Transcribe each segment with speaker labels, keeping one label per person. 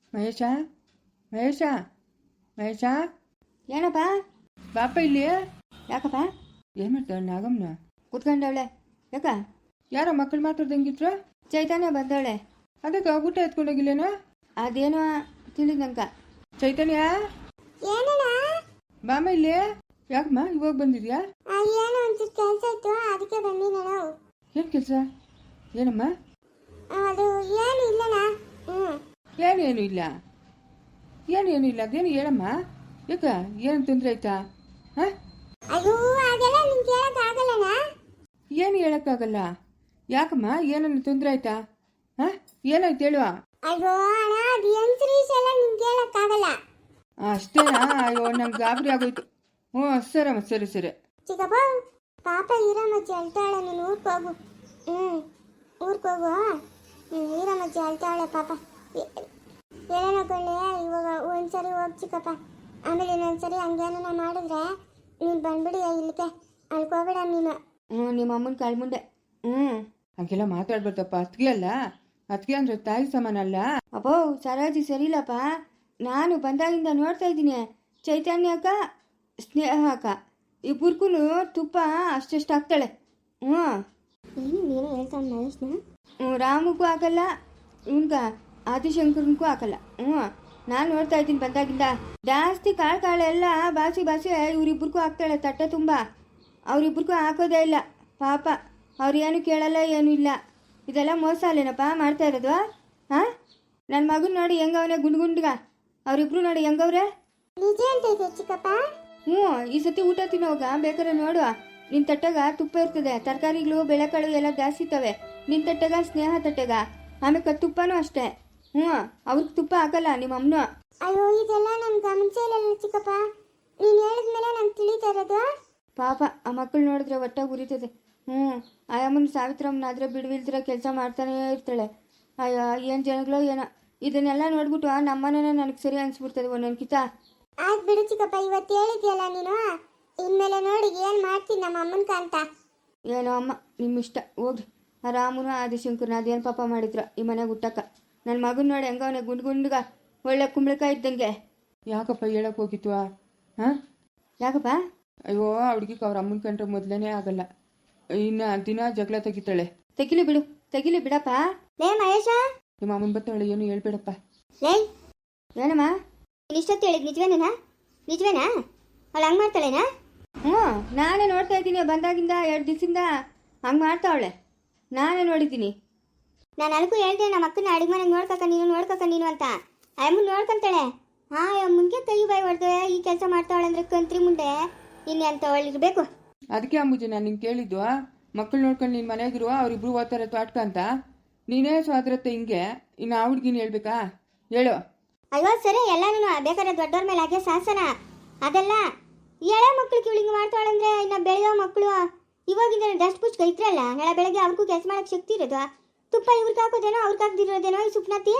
Speaker 1: ಮಹೇಶ ಮಹೇಶ ಮಹೇಶ
Speaker 2: ಏನಪ್ಪ?
Speaker 1: ಬಾಪ ಇಲ್ಲಿ.
Speaker 2: ಯಾಕಪ್ಪ?
Speaker 1: ಏನು ಮಾಡ್ತಾಳೆ ನಾಗಮ್ಮನ?
Speaker 2: ಕುತ್ಕೊಂಡವಳೆ. ಯಾಕ?
Speaker 1: ಯಾರೋ ಮಕ್ಕಳು ಮಾತಾಡ್ದಂಗಿದ್ರು.
Speaker 2: ಚೈತನ್ಯ ಬಂದವಳೆ.
Speaker 1: ಅದಕ್ಕೆ ಊಟ ಎತ್ಕೊಂಡೋಗಿಲ್ಲೇನೋ?
Speaker 2: ಅದೇನೋ ತಿಳಿದಂಕ.
Speaker 1: ಚೈತನ್ಯ
Speaker 3: ಏನಣ್ಣ?
Speaker 1: ಬಾಮ ಇಲ್ಲಿ. ಯಾಕಮ್ಮ ಇವಾಗ ಬಂದಿದ್ಯಾ?
Speaker 3: ಏನೋ ಒಂಚೂರು ಕೆಲಸ ಇತ್ತು, ಅದಕ್ಕೆ ಬಂದಿದ್ದಣ್ಣ.
Speaker 1: ಏನು ಕೆಲಸ? ಏನಮ್ಮ?
Speaker 3: ಅದು ಏನು ಇಲ್ಲಣ್ಣ.
Speaker 1: ಏನು ಇಲ್ಲ? ಏನು ಇಲ್ಲ ಅದೇನು ಹೇಳಮ್ಮ. ಯಾಕ ಏನು ತೊಂದರೆ ಆಯ್ತಾ? ಹಾಂ?
Speaker 3: ಅಯ್ಯೋ ಅದೆಲ್ಲ ನಿಂಗೆ ಕೇಳೋಕ್ಕಾಗಲ್ಲಣ್ಣ.
Speaker 1: ಏನು ಹೇಳೋಕ್ಕಾಗಲ್ಲ? ಯಾಕಮ್ಮ ಏನನ್ನ ತೊಂದರೆ ಆಯ್ತಾ? ಹಾಂ ಏನಾಯ್ತು ಹೇಳುವ?
Speaker 3: ಅಯ್ಯೋ ಅಣ್ಣ, ಅದು ಹೆಂಗ್ಸ್ರೀಸ್ ಎಲ್ಲ ನಿಂಗೆ ಕೇಳೋಕ್ಕಾಗಲ್ಲ.
Speaker 1: ಅಷ್ಟೇನಾ? ಅಯ್ಯೋ ನಂಗೆ ಗಾಬರಿ ಆಗೋಯ್ತು. ಹ್ಞೂ ಸರಮ್ಮ, ಸರಿ ಸರಿ.
Speaker 3: ಚಿಕ್ಕಪ್ಪ, ಪಾಪ ಈರಮ್ಮಜ್ಜಿ ಅಳ್ತಾಳೆ, ನೀನು ಊರಿಗೆ ಹೋಗು. ಊರಿಗೆ ಹೋಗು. ಈರಮ್ಮಜ್ಜಿ ಅಳ್ತಾಳೆ ಪಾಪ. ಹೇಳೋಣಕೊಳ್ಳೆ, ಇವಾಗ ಒಂದ್ಸರಿ ಹೋಗಿ ಚಿಕ್ಕಪ್ಪ. ಆಮೇಲೆ ಇನ್ನೊಂದ್ಸರಿ ಹಂಗೇನ ಮಾಡಿದ್ರೆ ನೀನು ಬಂದ್ಬಿಡಿ ಇಲ್ಲಿಗೆ. ಅಳ್ಕೋಬೇಡ ನೀನು.
Speaker 2: ನಿಮ್ಮ ಅಮ್ಮನ ಕಾಳ್ಮುಂಡೆ.
Speaker 1: ಹಂಗೆಲ್ಲ ಮಾತಾಡ್ಬಾರ್ದಪ್ಪ. ಅತ್ತಿಗೆ ಅಲ್ಲ, ಅತ್ತಿಗೆ ಅಂದ್ರೆ ತಾಯಿ ಸಮಾನ ಅಲ್ಲ.
Speaker 2: ಅಪ್ಪೋ ಸರೋಜಿ ಸರಿಲ್ಲಪ್ಪ. ನಾನು ಬಂದಾಗಿಂದ ನೋಡ್ತಾ ಇದ್ದೀನಿ, ಚೈತನ್ಯ ಅಕ್ಕ, ಸ್ನೇಹ ಅಕ್ಕ ಇಬ್ಬರಿಗೂ ತುಪ್ಪ ಅಷ್ಟೆಷ್ಟು ಹಾಕ್ತಾಳೆ.
Speaker 3: ಏನೋ ಹೇಳ್ತಾನೆ ಮಹೇಶ್ನ.
Speaker 2: ರಾಮಗೂ ಹಾಕಲ್ಲ, ಇವನ್ಗ ಆದಿಶಂಕರನ್ಗೂ ಹಾಕಲ್ಲ. ನಾನು ನೋಡ್ತಾ ಇದ್ದೀನಿ ಬಂದಾಗಿಂದ. ಜಾಸ್ತಿ ಕಾಳೆಲ್ಲ ಬಾಸಿ ಇವ್ರಿಬ್ರಿಗೂ ಹಾಕ್ತಾಳೆ ತಟ್ಟೆ ತುಂಬ. ಅವರಿಬ್ರಿಗೂ ಹಾಕೋದೇ ಇಲ್ಲ ಪಾಪ. ಅವ್ರೇನು ಕೇಳಲ್ಲ, ಏನೂ ಇಲ್ಲ. ಇದೆಲ್ಲ ಮೋಸ ಅಲ್ಲೇನಪ್ಪ ಮಾಡ್ತಾ ಇರೋದು? ಹಾಂ, ನನ್ನ ಮಗನ ನೋಡಿ ಹೆಂಗವನೇ ಗುಂಡ್ಗ. ಅವರಿಬ್ರು ನೋಡಿ ಹೆಂಗವ್ರೆ.
Speaker 3: ನಿಜ ಅಂತೈತೆ ಚಿಕ್ಕಪ್ಪ.
Speaker 2: ಈ ಸತಿ ಊಟ ತಿನ್ನೋಗ ಬೇಕಾದ್ರೆ ನೋಡು, ನಿನ್ನ ತಟ್ಟೆಗ ತುಪ್ಪ ಇರ್ತದೆ, ತರಕಾರಿಗಳು ಬೆಳೆಕಾಳು ಎಲ್ಲ ಜಾಸ್ತಿ ಇರ್ತವೆ. ನಿನ್ನ ತಟ್ಟೆಗ ಸ್ನೇಹ ತಟ್ಟೆಗ, ಆಮೇಲೆ ತುಪ್ಪನೂ ಅಷ್ಟೇ. ಅವ್ರಿಗೆ ತುಪ್ಪ ಹಾಕಲ್ಲ ನಿಮ್ಮ ಅಮ್ಮನು.
Speaker 3: ಅಯ್ಯೋ ಇದೆಲ್ಲ ನನ್ಗೆ ಗಮನಿಸೇ ಇಲ್ಲ ಚಿಕ್ಕಪ್ಪ. ನೀನು ಹೇಳಿದ್ಮೇಲೆ ನಂಗೆ ತಿಳಿತಾ ಇರೋದು.
Speaker 2: ಪಾಪ ಆ ಮಕ್ಕಳು ನೋಡಿದ್ರೆ ಒಟ್ಟಾಗಿ ಉರಿತದೆ. ಆ ಅಮ್ಮನ ಸಾವಿತ್ರಮ್ಮನಾದ್ರೆ ಬಿಡುವಿಲ್ದಿರ ಕೆಲಸ ಮಾಡ್ತಾನೇ ಇರ್ತಾಳೆ. ಅಯ್ಯೋ ಏನು ಜನಗಳೋ ಏನೋ. ಇದನ್ನೆಲ್ಲ ನೋಡ್ಬಿಟ್ಟು ನಮ್ಮನೇ ನನಗೆ ಸರಿ ಅನ್ಸ್ಬಿಡ್ತದೆ ಒಂದೊಂದು ಕಿತ.
Speaker 3: ಆಯ್ತು ಬಿಡು ಚಿಕ್ಕಪ್ಪ, ಇವತ್ತು ಹೇಳಿದ್ಯಲ್ಲ ನೀನು, ಇನ್ಮೇಲೆ ನೋಡಿ ಏನು ಮಾಡ್ತೀನಿ ನಮ್ಮ ಅಮ್ಮನ್ಕ ಅಂತ.
Speaker 2: ಏನೋ ಅಮ್ಮ ನಿಮ್ಮ ಇಷ್ಟ, ಹೋಗ್ರಿ. ಆ ರಾಮನು ಆದಿಶಂಕರನ ಅದೇನು ಪಾಪ ಮಾಡಿದ್ರು ಈ ಮನೆಗೆ ಹುಟ್ಟಕ್ಕ. ನನ್ನ ಮಗನ ನೋಡಿ ಹೆಂಗವನೇ ಗುಂಡ್ಗ ಒಳ್ಳೆ ಕುಂಬಳಕಾಯಿ ಇದ್ದಂಗೆ.
Speaker 1: ಯಾಕಪ್ಪ ಹೇಳಕ್ ಹೋಗಿತ್ತು? ಹಾಂ
Speaker 2: ಯಾಕಪ್ಪ?
Speaker 1: ಅಯ್ಯೋ ಹುಡುಗಿಗೆ ಅವ್ರ ಅಮ್ಮನ ಕಂಡ್ರೆ ಮೊದಲೇ ಆಗಲ್ಲ. ಇನ್ನು ದಿನ ಜಗಳ ತೆಗಿತಾಳೆ.
Speaker 2: ತೆಗಿಲಿ ಬಿಡಪ್ಪ.
Speaker 3: ಲೇ ಮಹೇಶ,
Speaker 1: ನಿಮ್ಮ ಅಮ್ಮನ ಬತ್ತಾಳೆ, ಏನು ಹೇಳ್ಬೇಡಪ್ಪ.
Speaker 3: ಲೇ
Speaker 2: ಏನಮ್ಮ?
Speaker 3: ಇಷ್ಟೊತ್ತು ಹೇಳಿದ್ ನಿಜವೇನಾ? ಅವಳು ಹಂಗೆ ಮಾಡ್ತಾಳೇನಾ?
Speaker 2: ನಾನೇ ನೋಡ್ತಾ ಇದ್ದೀನಿ ಬಂದಾಗಿಂದ 2 ದಿವಸದಿಂದ ಹಂಗೆ ಮಾಡ್ತಾವಳೆ. ನಾನೇ ನೋಡಿದ್ದೀನಿ.
Speaker 3: ನಾನು ಅಲ್ಗೂ ಹೇಳ್ದೆ ನಮ್ಮ ಅಕ್ಕನ ಅಡಿಗೆ ಮನೆಗೆ ನೋಡ್ಕಕ್ಕ ನೀನು ಅಂತ. ಅಮ್ಮನ ನೋಡ್ಕೊಂತಾಳೆ. ಮುಂದೆ ಕೈ ಬಾಯಿ ಹೊಡೆದೆ ಈ ಕೆಲಸ ಮಾಡ್ತಾವಳೆ ಅಂದ್ರೆ ಕಂತ್ರಿ ಮುಂದೆ ಇನ್ನು ಅಂತ ಒಳ್ಳಿರ್ಬೇಕು.
Speaker 1: ಅದಕ್ಕೆ ಅಂಬುಜಿ ನಾನು ನಿಂಗೆ ಕೇಳಿದ್ದು, ಮಕ್ಕಳು ನೋಡ್ಕೊಂಡು ನಿನ್ನ ಮನೆಗಿರುವ ಅವ್ರಿಬ್ರು ಓದ್ತಾರೆ ತೋಟಕ ಅಂತ. ನೀನೇ ಸ್ವಾದ್ರತೆ ಹಿಂಗೆ, ಇನ್ನು ಆ ಹುಡ್ಗಿನ ಹೇಳ್ಬೇಕಾ? ಹೇಳು.
Speaker 3: ಅಯ್ಯೋ ಸರಿ, ಎಲ್ಲಾನು ಬೇಕಾದ್ರೆ ದೊಡ್ಡವ್ರ ಮೇಲೆ ಹಾಗೆ ಶಾಸನ. ಅದೆಲ್ಲ ಎಳೆ ಮಕ್ಳು ಕಿವಳಿಂಗ್ ಮಾಡ್ತಾಳಂದ್ರೆ ಇನ್ನು ಬೆಳೆಯೋ ಮಕ್ಕಳು ಇವಾಗಿಂದ ಡಸ್ಟ್ ಪುಚ್ಕ ಇದ್ರಲ್ಲ, ನಾಳೆ ಬೆಳಗ್ಗೆ ಅವ್ರಿಗೂ ಕೆಲಸ ಮಾಡಕ್ಕೆ ಶಕ್ತಿ ಇರೋದು. ತುಪ್ಪ ಇವ್ರಿಗೆ ಹಾಕೋದೇನೋ ಅವ್ರಿಗೆ ಹಾಕ್ದಿರೋದೇನೋ ಈ ಸುಪ್ನಾತಿ.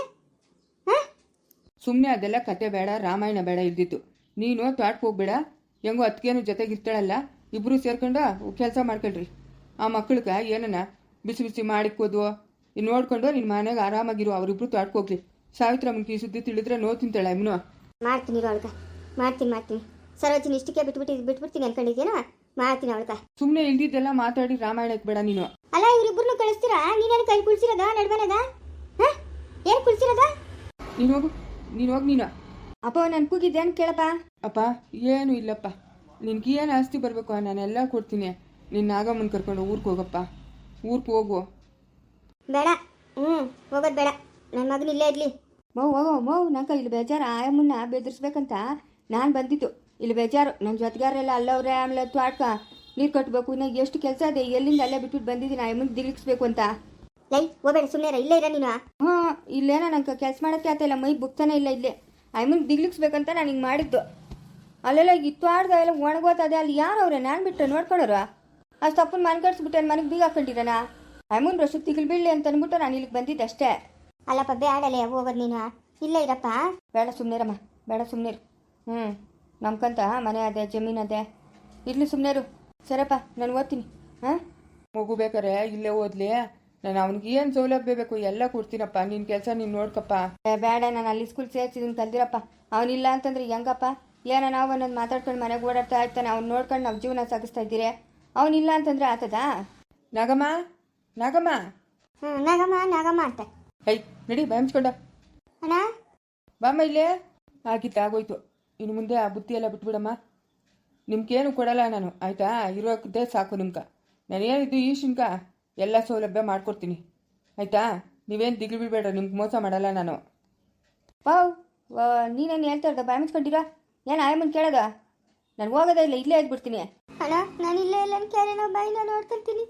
Speaker 1: ಸುಮ್ಮನೆ ಅದೆಲ್ಲ ಕತೆ ಬೇಡ, ರಾಮಾಯಣ ಬೇಡ ಇದ್ದಿತ್ತು. ನೀನು ತೋಟಕ್ಕೆ ಹೋಗ್ಬೇಡ, ಹೆಂಗೋ ಅತ್ತಿಗೆನೂ ಜೊತೆಗಿರ್ತಾಳಲ್ಲ, ಇಬ್ಬರು ಸೇರ್ಕೊಂಡು ಕೆಲಸ ಮಾಡ್ಕೊಳ್ರಿ. ಆ ಮಕ್ಕಳಿಗೆ ಏನನ್ನ ಬಿಸಿ ಮಾಡಿಕ್ಕೋದು ನೋಡ್ಕೊಂಡು ನಿನ್ನ ಮನೆಗೆ ಆರಾಮಾಗಿರು. ಅವರಿಬ್ರು ತೋಟಕ್ಕೆ ಹೋಗ್ಲಿ. ಸಾವಿತ್ರಮ್ಮನ ಸುದ್ದಿ ತಿಳಿದ್ರೆ ನೋ ತಿಂತಾಳೆ ಅಮ್ಮನು.
Speaker 3: ಮಾಡ್ತೀನಿ ಅವಳ್ಗ, ಮಾಡ್ತೀನಿ. ಸರೋಜಿನಿ ಇಷ್ಟಕ್ಕೆ ಬಿಟ್ಬಿಡ್ತೀನಿ ಅನ್ಕೊಂಡಿದ್ದೀನೋ, ಮಾಡ್ತೀನಿ ಅವಳ್ಗ.
Speaker 1: ಸುಮ್ಮನೆ ಇಲ್ದಿದ್ದೆಲ್ಲ ಮಾತಾಡಿ ರಾಮಾಯಣಕ್ಕೆ ಬೇಡ ನೀನು.
Speaker 3: ಅಲ್ಲ ಇವ್ರಿಬ್ರು ಕಳಿಸ್ತೀರಾ? ನೀನೇನು ಕೈ ಕುಳ್ಸಿರೋದ ನಡ್ಬನದ? ಏನು ಕುಳ್ಸಿರೋದ?
Speaker 1: ನೀನು ಹೋಗಿ ನೀನು.
Speaker 2: ಅಪ್ಪ ನಾನು ಕೂಗಿದ್ದೇನು ಕೇಳಪ್ಪ.
Speaker 1: ಅಪ್ಪ ಏನು ಇಲ್ಲಪ್ಪ, ನಿನ್ಗೇನು ಆಸ್ತಿ ಬರಬೇಕು ನಾನೆಲ್ಲ ಕೊಡ್ತೀನಿ. ನಿನ್ನ ನಾಗಮ್ಮನ ಕರ್ಕೊಂಡು ಊರಿಗೆ ಹೋಗಪ್ಪ. ಊರಿಗೆ ಹೋಗು.
Speaker 3: ಬೇಡ, ಹೋಗೋದು ಬೇಡ. ನನ್ನ ಮಗನ ಇಲ್ಲೇ ಇರಲಿ.
Speaker 2: ಹೋಗೋ ನಂಗೆ ಇಲ್ಲಿ ಬೇಜಾರು. ಆಯಮ್ಮನ್ನ ಬೆದರಿಸ್ಬೇಕಂತ ನಾನು ಬಂದಿದ್ದು. ಇಲ್ಲಿ ಬೇಜಾರು, ನನ್ನ ಜೊತೆಗಾರೆಲ್ಲ ಅಲ್ಲವ್ರೆ. ಆಮೇಲೆ ತ್ವಾಟ್ಕ ನೀರು ಕಟ್ಟಬೇಕು. ಇನ್ನು ಎಷ್ಟು ಕೆಲಸ ಇದೆ, ಎಲ್ಲಿಂದ ಅಲ್ಲೇ ಬಿಟ್ಬಿಟ್ಟು ಬಂದಿದ್ದೀನಿ ಆಯಮ್ಮನ ದಿಲಿಕ್ಸ್ಬೇಕು ಅಂತ.
Speaker 3: ಲೈ ಹೋಗಬೇಡ, ಸುಮ್ಮನೆ ಇಲ್ಲೇ ಇರ ನೀನು.
Speaker 2: ಇಲ್ಲೇನೋ ನಂಗೆ ಕೆಲಸ ಮಾಡೋಕ್ಕೆ ಆಗ್ತಾಯಿಲ್ಲ, ಮೈ ಬುಕ್ತಾನೆ ಇಲ್ಲ. ಇಲ್ಲೇ ಆಯಮ್ಮನ ದಿಗ್ಲಿಕ್ಸ್ಬೇಕಂತ ನಾನು ಹಿಂಗೆ ಮಾಡಿದ್ದು. ಅಲ್ಲೆಲ್ಲ ಇತ್ವಾಡ್ದ ಎಲ್ಲ ಒಣಗೋತದೆ. ಅಲ್ಲಿ ಯಾರವ್ರೆ? ನಾನು ಬಿಟ್ಟರೆ ನೋಡ್ಕೊಳ್ಳೋರು. ಅಷ್ಟು ತಪ್ಪನ್ನು ಮನ್ಕಡ್ಸ್ಬಿಟ್ಟು ಮನೆಗೆ ಬೀಗ ಹಾಕೊಂಡಿದ್ದಾನ. ಆಯಮ್ಮನ ರಷ್ಟು ತಿಗಿಲ್ ಬೀಳಲಿ ಅಂತ ಅಂದ್ಬಿಟ್ಟು ನಾನು ಇಲ್ಲಿಗೆ ಬಂದಿದ್ದೆ ಅಷ್ಟೇ.
Speaker 3: ಅಲ್ಲಪ್ಪ ಬೇಡಲೇ ಹೋಗೋದು ನೀನು, ಇಲ್ಲೇ ಇರಪ್ಪ.
Speaker 2: ಬೇಡ ಸುಮ್ಮನೆರಮ್ಮ, ಬೇಡ ಸುಮ್ಮನಿರು. ನಮ್ಕಂತ ಮನೆ ಅದೇ ಜಮೀನು ಅದೇ, ಇರ್ಲಿ ಸುಮ್ಮನೆರು. ಸರಪ್ಪ ನಾನು ಓದ್ತೀನಿ.
Speaker 1: ಮಗು ಬೇಕಾರೆ ಇಲ್ಲೇ ಓದ್ಲಿ. ನಾನು ಅವ್ನಿಗೆ ಏನು ಸೌಲಭ್ಯ ಬೇಕು ಎಲ್ಲ ಕೊಡ್ತೀನಪ್ಪ. ನಿನ್ನ ಕೆಲಸ ನೀನು ನೋಡ್ಕಪ್ಪ.
Speaker 2: ಬೇಡ, ನಾನು ಅಲ್ಲಿ ಸ್ಕೂಲ್ ಸೇರ್ಸಿದ್ದೀನಿ ಕಲ್ದಿರಪ್ಪ. ಅವನಿಲ್ಲ ಅಂತಂದ್ರೆ ಹೆಂಗಪ್ಪ? ಏನೋ ನಾವು ಅನ್ನೋದು ಮಾತಾಡ್ಕೊಂಡು ಮನೆಗೆ ಓಡಾಡ್ತಾ ಇರ್ತಾನೆ. ಅವ್ನು ನೋಡ್ಕೊಂಡು ನಾವು ಜೀವನ ಸಾಗಿಸ್ತಾ ಇದ್ದೀರಿ. ಅವನಿಲ್ಲ ಅಂತಂದ್ರೆ ಆತದಾ?
Speaker 1: ನಾಗಮ್ಮ, ನಾಗಮ್ಮ,
Speaker 3: ನಾಗಮ್ಮ ನಾಗಮ್ಮ ಅಂತ.
Speaker 1: ಐ ನಡಿ ಬಾಯಿಸ್ಕೊಂಡ
Speaker 3: ಅಣ್ಣ
Speaker 1: ಬಾಮ್ಮ ಇಲ್ಲೇ. ಆಗೋಯ್ತು. ಇನ್ನು ಮುಂದೆ ಆ ಬುತ್ತಿ ಎಲ್ಲ ಬಿಟ್ಬಿಡಮ್ಮ. ನಿಮ್ಗೇನು ಕೊಡಲ್ಲ ನಾನು, ಆಯಿತಾ? ಇರೋದೇ ಸಾಕು ನಿಮ್ಗೆ. ನಾನೇನಿದ್ದು ಈ ಶಿಂಕ ಎಲ್ಲ ಸೌಲಭ್ಯ ಮಾಡ್ಕೊಡ್ತೀನಿ, ಆಯಿತಾ? ನೀವೇನು ದಿಗ್ಲು ಬಿಡಬೇಡ, ನಿಮ್ಗೆ ಮೋಸ ಮಾಡಲ್ಲ ನಾನು.
Speaker 2: ವಾವ್, ನೀನೇನು ಹೇಳ್ತಾ ಇರೋದ? ಬಾಯ್ ಮುಚ್ಕೊಂಡಿರೋ ಏನು ಆಯಮ್ಮನ ಕೇಳೋದ? ನಾನು ಹೋಗೋದೇ ಇಲ್ಲ, ಇಲ್ಲೇ ಇದ್ಬಿಡ್ತೀನಿ.
Speaker 3: ಅಣ್ಣ ನಾನು ಇಲ್ಲೇ ಇಲ್ಲ ಕ್ಯಾರೇನೋ ಬಾಯಿನ ನೋಡ್ಕೊಳ್ತೀನಿ.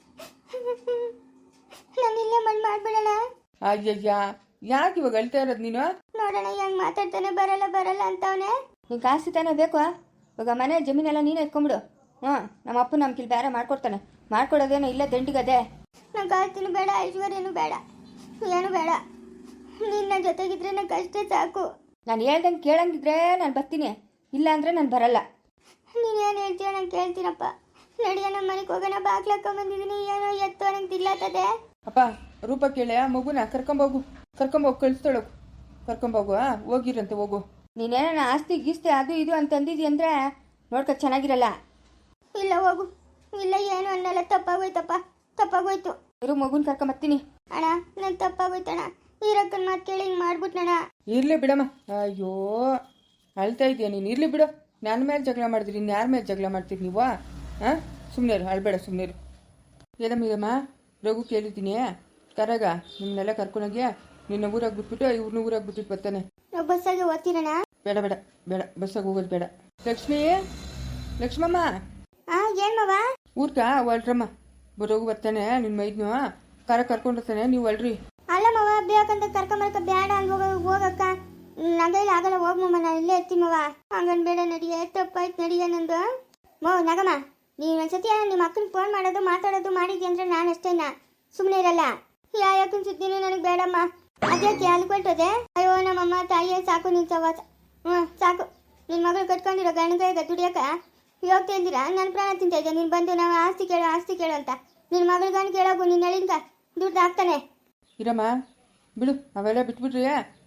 Speaker 3: ನಾನು ಇಲ್ಲೇ ಮಣ್ಣು ಮಾಡ್ಬಿಡೋಣ.
Speaker 1: ಅಯ್ಯಯ್ಯ, ಯಾಕೆ ಇವಾಗ ಅಳ್ತಾ ಇರೋದು ನೀನು?
Speaker 3: ನೋಡೋಣ ಹೆಂಗ್ ಮಾತಾಡ್ತಾನೆ, ಬರಲ್ಲ ಬರಲ್ಲ ಅಂತವನೆ.
Speaker 2: ನೀನು ಕಾಸು ತಾನೇ ಬೇಕು? ಇವಾಗ ಮನೆ ಜಮೀನೆಲ್ಲ ನೀನೇ ಎತ್ಕೊಂಬಿಡು. ನಮ್ಮ ಅಪ್ಪ ನಮ್ಮ ಕಿಲ್ ಬೇರೆ ಮಾಡ್ಕೊಡ್ತಾನೆ. ಮಾಡ್ಕೊಡೋದೇನೋ ಇಲ್ಲ ದಂಡಿಗದೆ.
Speaker 3: ನಂಗೆ ಕಾಸ್ತಿನೂ ಬೇಡ, ಐಶ್ವರ್ಯನೂ ಬೇಡ, ಏನು ಬೇಡ. ನಿನ್ನ ಜೊತೆಗಿದ್ರೆ ನಂಗೆ ಅಷ್ಟೇ ಸಾಕು.
Speaker 2: ನಾನು ಹೇಳ್ದಂಗೆ ಕೇಳಂಗಿದ್ರೆ ನಾನು ಬರ್ತೀನಿ, ಇಲ್ಲ ಅಂದರೆ ನಾನು ಬರಲ್ಲ.
Speaker 3: ನೀನು ಏನು ಹೇಳ್ತೀಯ ನಂಗೆ ಕೇಳ್ತೀನಪ್ಪ. ನಡಿಯ ನಮ್ಮ ಮನೆಗೆ ಹೋಗೋಣ, ಬಾಗ್ಲಾಕೊಂಬಂದಿದ್ದೀನಿ. ಏನೋ ಎತ್ತೋ ನಂಗೆ ತಿರ್ಲಾತದೆ.
Speaker 1: ಅಪ್ಪ ರೂಪ ಕೇಳೆ ಮಗುನ ಕರ್ಕೊಂಬೋಗು ಕಳಿಸ್ತಾಳೋಗು, ಕರ್ಕೊಂಬೋಗು. ಹೋಗಿರಂತೆ ಹೋಗು.
Speaker 2: ನೀನೇನ ಆಸ್ತಿ ಗೀಸ್ತಿ ಅದು ಇದು ಅಂತಂದಿದ್ದಿ ಅಂದರೆ ನೋಡ್ಕೊ ಚೆನ್ನಾಗಿರಲ್ಲ.
Speaker 3: ಇಲ್ಲ ಹೋಗು, ಇಲ್ಲ ಏನು ಅನ್ನಲ್ಲ. ತಪ್ಪಾಗೋಯ್ತಪ್ಪ, ತಪ್ಪಾಗೋಯ್ತು.
Speaker 2: ಇರು ಮಗುನ ಕರ್ಕೊಂಬರ್ತೀನಿ.
Speaker 3: ಅಣ್ಣ ನಾನು ತಪ್ಪಾಗೋಯ್ತಣ್ಣ. ಈರಕ್ಕನ ಮಾತು ಕೇಳಿ ಹಿಂಗೆ ಮಾಡ್ಬಿಟ್ನಣ್ಣ.
Speaker 1: ಇರ್ಲಿ ಬಿಡಮ್ಮ. ಅಯ್ಯೋ ಅಳ್ತಾ ಇದೆಯಾ ನೀನು? ಇರ್ಲಿ ಬಿಡು. ನನ್ನ ಮೇಲೆ ಜಗಳ ಮಾಡಿದ್ರಿ, ಇನ್ನು ಯಾರ ಮೇಲೆ ಜಗಳ ಮಾಡ್ತೀರಿ ನೀವು? ಹಾಂ, ಸುಮ್ಮನೆ ಅಳ್ಬೇಡ, ಸುಮ್ಮನೆ. ಏನಮ್ಮ ರಘು ಕೇಳಿದ್ದೀನಿ, ಕರಗ ನಿಮ್ಮನ್ನೆಲ್ಲ ಕರ್ಕೊಂಡೋಗಿ ನಿನ್ನ ಊರಾಗ ಬಿಟ್ಬಿಟ್ಟು ಇವ್ರನ್ನ ಊರಾಗ ಬಿಟ್ಬಿಟ್ಟು ಬರ್ತಾನೆ.
Speaker 3: ನಾವು ಬಸ್ಸಾಗಿ ಓದ್ತೀರಣ್ಣ?
Speaker 1: ಬೇಡ ಬೇಡ ಬೇಡ, ಬಸ್ಸಾಗಿ ಹೋಗೋದು ಬೇಡ. ಲಕ್ಷ್ಮೀ, ಲಕ್ಷ್ಮಮ್ಮ,
Speaker 3: ಏನು ಮವ?
Speaker 1: ಊರ್ಕ ಹೊಲ್ರಮ್ಮ. ರಘು ಬರ್ತಾನೆ, ನಿನ್ನ ಮೈದ್ನು ಕರ್ಕೊಂಡಿರ್ತಾನೆ, ನೀವು ಅಲ್ರಿ.
Speaker 3: ಅಲ್ಲ ಮವ, ಬೇಕಂತ ಕರ್ಕೊಂಬರಕ ಬೇಡ ಅಲ್ಲಿ ಹೋಗಕ್ಕ. ನಗೈಲಿ ಆಗಲ್ಲ, ಹೋಗ್ಮಮ್ಮ, ನಾನು ಇಲ್ಲೇ ಇರ್ತೀನಿ ಮವ. ಹಂಗನ್ ಬೇಡ, ನಡಿಯ ತಪ್ಪಾಯ್ತು, ನಡಿಯ ನಂದು. ನಗಮ್ಮ, ನೀನು ಒಂದ್ಸತಿ ನಿಮ್ಮ ಅಕ್ಕನಿಗೆ ಫೋನ್ ಮಾಡೋದು ಮಾತಾಡೋದು ಮಾಡಿದ್ಯ ಅಂದ್ರೆ ನಾನು ಅಷ್ಟೇನಾ ಸುಮ್ಮನೆ ಇರಲ್ಲ. ಯಾಕನ್ ಸುದ್ದಿನೂ ನನಗೆ ಬೇಡಮ್ಮ. ಅದ್ಯಾಕೆ ಅಲ್ಲಿ ಕೊಟ್ಟದೆ? ಅಯ್ಯೋ ನಮ್ಮಮ್ಮ ತಾಯಿಯೇ ಸಾಕು ನಿನ್ ಸವಾಸ. ಸಾಕು. ನಿನ್ನ ಮಗಳು ಕಟ್ಕೊಂಡಿರೋ ಗಂಡಗ ದುಡಿಯಕ ಹೋಗ್ತಾ ಇದ್ದೀರಾ? ನನ್ನ ಪ್ರಾಣ ತಿಂತ ಇದ್ದೆ. ನೀನು ಬಂದು ನಾವು ಆಸ್ತಿ ಕೇಳು ಅಂತ ನಿನ್ನ ಮಗಳ ಗಂಡು ಕೇಳೋಗು. ನಿನ್ನ ಎಳಿಂಕ ದುಡ್ಡು ಹಾಕ್ತಾನೆ.
Speaker 1: ಇರಮ್ಮ ಬಿಡು, ಅವೆಲ್ಲ ಬಿಟ್ಬಿಟ್ರಿ.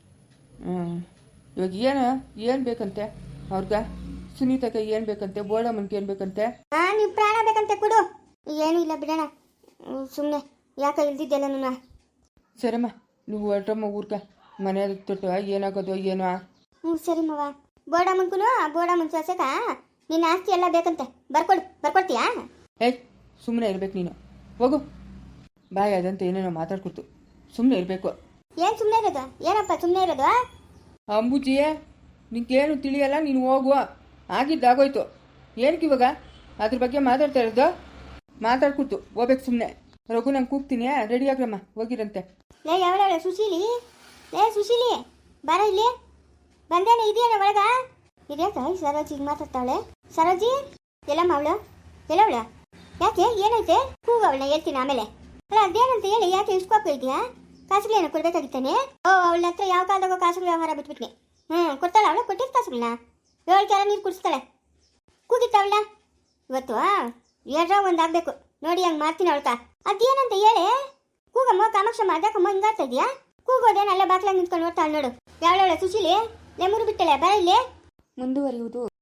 Speaker 1: ಇವಾಗ ಏನು ಬೇಕಂತೆ ಅವ್ರಿಗ? ಸುನೀತಕ್ಕೆ ಏನು ಬೇಕಂತೆ? ಬೋಡಮ್ಮನ್ಗೆ ಏನು ಬೇಕಂತೆ?
Speaker 3: ನೀವು ಪ್ರಾಣ ಬೇಕಂತೆ ಕೊಡು. ಏನೂ ಇಲ್ಲ ಬಿಡೋಣ, ಸುಮ್ಮನೆ ಯಾಕೆ ಇಲ್ದಿದ್ದೆಲ್ಲ ನನ್ನ.
Speaker 1: ಸರಮ್ಮ, ನೀವು ಹೊರಟ್ರಮ್ಮ ಊರ್ಗ. ಮನೆ ತೊಟ್ಟು ಏನಾಗೋದು ಏನೋ.
Speaker 3: ಸರಿ ಮವ. ಬೋಡಮ್ಮನ್ಗೂ ಸೊಸೆಕ ನಿನ್ನ ಆಸ್ತಿ ಎಲ್ಲ ಬೇಕಂತೆ. ಬರ್ಕೊಡ್ತೀಯಾ?
Speaker 1: ಏಯ್, ಸುಮ್ಮನೆ ಇರ್ಬೇಕು ನೀನು. ಹೋಗು. ಬಾಯ್ ಅದಂತೆ ಏನೇನೋ ಮಾತಾಡ್ಕೊಡ್ತು. ಸುಮ್ಮನೆ ಇರಬೇಕು.
Speaker 3: ಏನು ಸುಮ್ಮನೆ ಇರೋದು? ಏನಪ್ಪ ಸುಮ್ಮನೆ ಇರೋದು?
Speaker 1: ಅಂಬುಜಿಯೇ, ನಿಂಗೇನು ತಿಳಿಯಲ್ಲ, ನೀನು ಹೋಗುವ. ಆಗಿದ್ದಾಗೋಯ್ತು. ಏನಕ್ಕೆ ಇವಾಗ ಅದ್ರ ಬಗ್ಗೆ ಮಾತಾಡ್ತಾ ಇರೋದು? ಮಾತಾಡ್ಕೊಡ್ತು ಹೋಗ್ಬೇಕು ಸುಮ್ಮನೆ. ರಘು ನಂಗೆ ಕೂಗ್ತೀನಿ, ರೆಡಿ ಆಗ್ರಮ್ಮ, ಹೋಗಿರಂತೆ.
Speaker 3: ಯಾವಳ ಸುಶೀಲಿ ಬಾರ ಇಲ್ಲಿ. ಬಂದೇನೆ, ಇದೆಯೇನ ಒಳಗ? ಇದ್ಯಾಕ ಸರೋಜಿ ಈಗ ಮಾತಾಡ್ತಾವಳೆ? ಸರೋಜಿ ಎಲ್ಲಮ್ಮ ಅವಳು? ಯಾಕೆ ಏನೈತೆ? ಕೂಗವಳನ್ನ ಹೇಳ್ತೀನಿ ಆಮೇಲೆ. ಅಲ್ಲ ಅದೇನಂತ ಹೇಳಿ, ಯಾಕೆ ಇಸ್ಕೋಕ ಇದೆಯಾ? ಕಾಸುಗಳೇನೋ ಕೊಡ್ಬೇಕಾಗಿತ್ತಾನೆ? ಅವಳ ಹತ್ರ ಯಾವ ಕಾಲದಾಗ ಕಾಸುಗಳ ವ್ಯವಹಾರ ಬಿಟ್ಬಿಟ್ನಿ. ಕೊಡ್ತಾಳ ಅವಳು? ಕೊಟ್ಟಿದ್ದ ಕಾಸುಗಳನ್ನ 7 ಕ್ಯಾರ ನೀರು ಕುಡಿಸ್ತಾಳೆ. ಕೂಗಿತ್ತವಳ ಇವತ್ತು ಏನ್ರ ಒಂದು ಆಗ್ಬೇಕು ನೋಡಿ. ಹಂಗೆ ಮಾಡ್ತೀನಿ ಅವಳ್ಕ. ಅದೇನಂತ ಹೇಳಿ ಕೂಗಮ್ಮ. ಕಾಮಾಕ್ಷಮ್ಮ ಅದಕ್ಕಮ್ಮ ಹಿಂಗಾಡ್ತಾ ಇದೆಯಾ? ಕೂಗೋದೇನಲ್ಲ ಬಾಕ್ಲಾಗ ನಿಂತ್ಕೊಂಡು ನೋಡ್ತಾಳೆ ನೋಡು. ಯಾವಳ ಸುಶೀಲಿ ಲೆಮೂರು ಬಿಟ್ಟಳೆ. ಬರ ಇಲ್ಲಿ.
Speaker 2: ಮುಂದುವರಿಯುವುದು